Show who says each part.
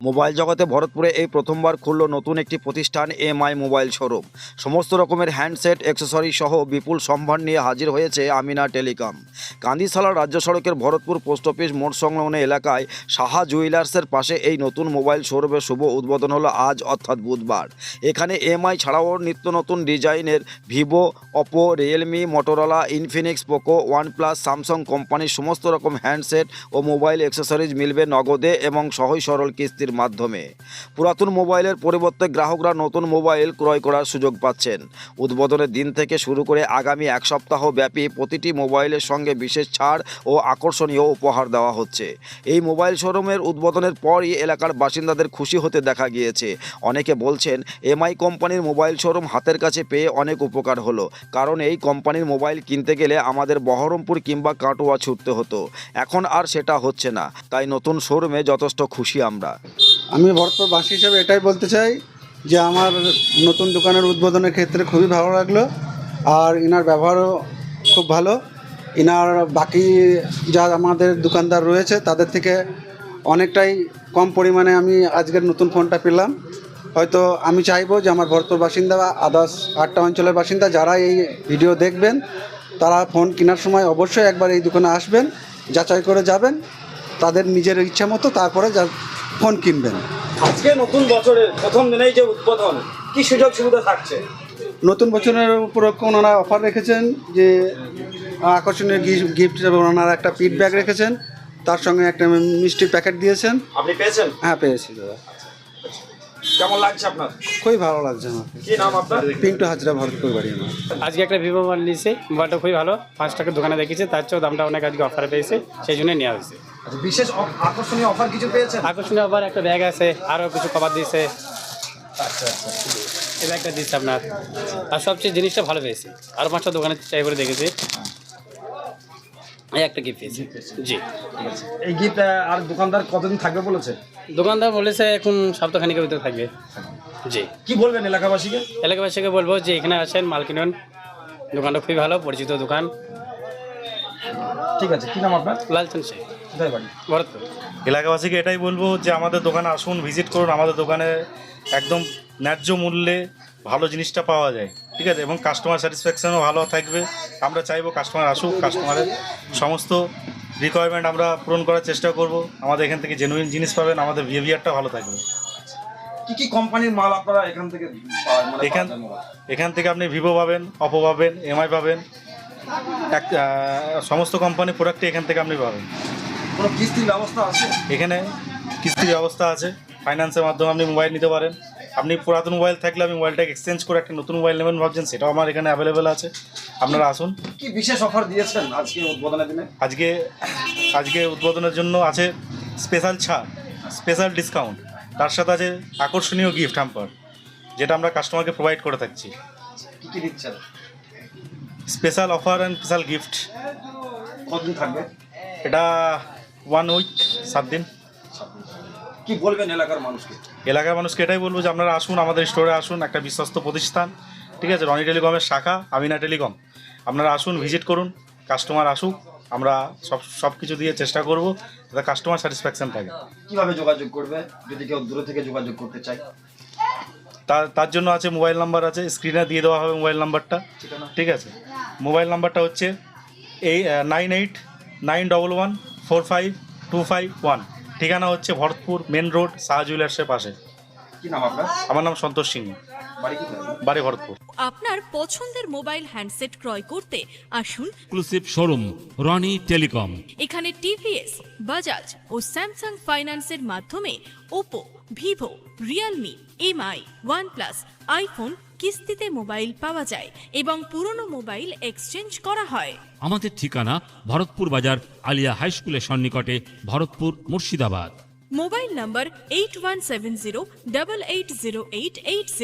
Speaker 1: Mobile জগতে ভরতপুরে এই প্রথমবার খুলল নতুন একটি প্রতিষ্ঠান এমআই মোবাইল শোরুম। সমস্ত রকমের হ্যান্ডসেট অ্যাক্সেসরি সহ বিপুল সম্ভার নিয়ে হাজির হয়েছে আমিনা টেলিকম। কান্দিশালা রাজ্য সড়কের ভরতপুর পোস্ট অফিস মোড় সংলগ্ন এলাকায় সাহা জুয়েলার্সের পাশে এই নতুন মোবাইল শোরুমের শুভ উদ্বোধন হলো আজ অর্থাৎ বুধবার। এখানে এমআই ছাড়াও নিত্য নতুন ডিজাইনের Vivo, Oppo, Realme, Motorola, Infinix, Poco, OnePlus, Samsung কোম্পানির সমস্ত রকম হ্যান্ডসেট ও মোবাইল অ্যাক্সেসরিজ মিলবে নগদে এবং সহজ সরল কিস্তির মাধ্যমে। পুরাতন মোবাইলের পরিবর্তে গ্রাহকরা নতুন মোবাইল ক্রয় করার সুযোগ পাচ্ছেন। উদ্বোধনের দিন থেকে শুরু করে আগামী এক সপ্তাহ ব্যাপী প্রতিটি মোবাইলের সঙ্গে বিশেষ ছাড় ও আকর্ষণীয় উপহার দেওয়া হচ্ছে। এই মোবাইল শোরুমের উদ্বোধনের পরই এলাকার বাসিন্দাদের খুশি হতে দেখা গিয়েছে। অনেকে বলছেন এমআই কোম্পানির মোবাইল শোরুম হাতের কাছে পেয়ে অনেক উপকার হলো, কারণ এই কোম্পানির মোবাইল কিনতে গেলে আমাদের বহরমপুর কিংবা কাটোয়া ছুটতে হতো, এখন আর সেটা হচ্ছে না। তাই নতুন শোরুমে যথেষ্ট খুশি আমরা।
Speaker 2: আমি ভরতপুরবাসী হিসেবে এটাই বলতে চাই যে আমার নতুন দোকানের উদ্বোধনের ক্ষেত্রে খুবই ভালো লাগলো, আর ইনার ব্যবহারও খুব ভালো। ইনার বাকি যা আমাদের দোকানদার রয়েছে তাদের থেকে অনেকটাই কম পরিমাণে আমি আজকের নতুন ফোনটা পেলাম। হয়তো আমি চাইবো যে আমার ভরতপুর বাসিন্দা বা আদার্স 8টা অঞ্চলের বাসিন্দা যারা এই ভিডিও দেখবেন তারা ফোন কেনার সময় অবশ্যই একবার এই দোকানে আসবেন, যাচাই করে যাবেন তাদের নিজের ইচ্ছা মতো, তারপরে ফোন কিনবেন।
Speaker 3: আজকে নতুন বছরের প্রথম দিনেই যে উদ্বোধন, কি সুযোগ সুবিধা থাকছে?
Speaker 2: নতুন বছরের উপরে ওনারা অফার রেখেছেন যে আকর্ষণীয় গিফট হিসেবে ওনারা একটা পিট ব্যাগ রেখেছেন, তার সঙ্গে একটা মিষ্টির প্যাকেট দিয়েছেন।
Speaker 3: আপনি পেয়েছেন?
Speaker 2: হ্যাঁ, পেয়েছি দাদা।
Speaker 3: কেমন লাগছে আপনার?
Speaker 2: খুবই ভালো লাগছে আমার।
Speaker 3: কি নাম আপনার?
Speaker 2: পিন্টু হাজরা, ভরতপুর বাড়ি আমার।
Speaker 4: আজকে একটা ভিভো মোবাইল নিয়েছি, মোবাইলটা খুবই ভালো। 5 টাকার দোকানে দেখেছি, তার চেয়েও দামটা অনেক আজকে অফারে পেয়েছে, সেই জন্যই নেওয়া হয়েছে।
Speaker 3: আচ্ছা, বিশেষ আকর্ষণীয় অফার কিছু পেয়েছেন?
Speaker 4: আকর্ষণীয় আবার একটা ব্যাগ আছে, আরও কিছু কভার দিয়েছে।
Speaker 3: আচ্ছা আচ্ছা,
Speaker 4: এই ব্যাগটা দিচ্ছে আপনার, আর সবচেয়ে জিনিসটা ভালো পেয়েছি। আরও 5টা দোকানে ট্রাই করে দেখেছি, এই একটা গিফট পেয়েছি। জি,
Speaker 3: এই গিফট আর দোকানদার কতদিন থাকবে বলেছে?
Speaker 4: দোকানদার বলেছে এখন সপ্তাহখানিকের ভিতরে থাকবে। জি,
Speaker 3: কি বলবেন এলাকাবাসীকে?
Speaker 4: এলাকাবাসীকে বলবো যে এখানে আসেন, মাল কিনুন, দোকানটা খুবই ভালো, পরিচিত দোকান।
Speaker 3: ঠিক আছে, কি নাম আপনার?
Speaker 4: লালচন শেখ,
Speaker 3: কোথায় বাড়ি?
Speaker 4: ভরতপুর।
Speaker 5: এলাকাবাসীকে এটাই বলবো যে আমাদের দোকানে আসুন, ভিজিট করুন। আমাদের দোকানে একদম ন্যায্য মূল্যে ভালো জিনিসটা পাওয়া যায়, ঠিক আছে, এবং কাস্টমার স্যাটিসফ্যাকশনও ভালো থাকবে। আমরা চাইবো কাস্টমার আসুক, কাস্টমারের সমস্ত রিকোয়ারমেন্ট আমরা পূরণ করার চেষ্টা করব। আমাদের এখান থেকে জেনুইন জিনিস পাবেন, আমাদের বিহেভিয়ারটা ভালো থাকবে।
Speaker 3: কি কি কোম্পানির মাল আপনারা এখান থেকে পাওয়া যায়?
Speaker 5: এখান থেকে আপনি ভিভো পাবেন, ওপো পাবেন, এমআই পাবেন, সমস্ত কোম্পানির প্রোডাক্টই এখান থেকে আপনি পাবেন।
Speaker 3: কোনো কিস্তির ব্যবস্থা আছে?
Speaker 5: এখানে কিস্তির ব্যবস্থা আছে, ফাইন্যান্সের মাধ্যমে আপনি মোবাইল নিতে পারেন। আপনি পুরাতন মোবাইল থাকলে আপনি মোবাইলটাকে এক্সচেঞ্জ করে একটা নতুন মোবাইল নেবেন ভাবছেন, সেটাও আমার এখানে অ্যাভেলেবেল আছে। আপনারা আসুন।
Speaker 3: কি বিশেষ অফার দিয়েছেন আজকে উদ্বোধনের দিনে?
Speaker 5: আজকে উদ্বোধনের জন্য আছে স্পেশাল ছাড়, স্পেশাল ডিসকাউন্ট, তার সাথে আছে আকর্ষণীয় গিফট হ্যাম্পার, যেটা আমরা কাস্টমারকে প্রোভাইড করে থাকছি।
Speaker 3: কি কি দিচ্ছেন?
Speaker 5: Special offer and special gift.
Speaker 3: কতদিন থাকবে?
Speaker 5: এটা 1 উইক, 7 দিন।
Speaker 3: কি বলবেন এলাকার মানুষকে?
Speaker 5: এলাকার মানুষকে এটাই বলবো যে আপনারা আসুন, আমাদের স্টোরে আসুন, একটা বিশ্বস্ত প্রতিষ্ঠান, ঠিক আছে, রনি টেলিকমের শাখা আমিনা টেলিকম। আপনারা আসুন, ভিজিট করুন, কাস্টমার আসুক, আমরা সব কিছু দিয়ে চেষ্টা করবো যাতে কাস্টমার স্যাটিসফ্যাকশন থাকে।
Speaker 3: কিভাবে যোগাযোগ করবে যদি কেউ দূরে থেকে যোগাযোগ করতে চায়?
Speaker 5: তার জন্য আছে মোবাইল নাম্বার আছে, স্ক্রিনে দিয়ে দেওয়া হবে মোবাইল নাম্বারটা, ঠিক আছে। মোবাইল নাম্বারটা হচ্ছে 9891145251। ঠিকানা হচ্ছে ভরতপুর মেন রোড, শাহ জুয়েলার্সের পাশে।
Speaker 3: কি নাম আপনার?
Speaker 5: আমার নাম সন্তোষ সিং,
Speaker 3: বাড়ি কোথায়?
Speaker 5: বাড়ি ভরতপুর।
Speaker 6: আপনার পছন্দের মোবাইল হ্যান্ডসেট ক্রয় করতে আসুন
Speaker 7: এক্সক্লুসিভ শোরুম রনি টেলিকম।
Speaker 6: এখানে টিভিএস, বাজাজ ও স্যামসাং ফাইন্যান্সের মাধ্যমে Oppo, Vivo, Realme, MI, OnePlus, iPhone কিস্তিতে মোবাইল পাওয়া যায় এবং পুরনো মোবাইল এক্সচেঞ্জ করা হয়।
Speaker 7: আমাদের ঠিকানা ভরতপুর বাজার আলিয়া হাই স্কুলের সন্নিকটে, ভরতপুর, মুর্শিদাবাদ।
Speaker 6: মোবাইল নম্বর 8170880880।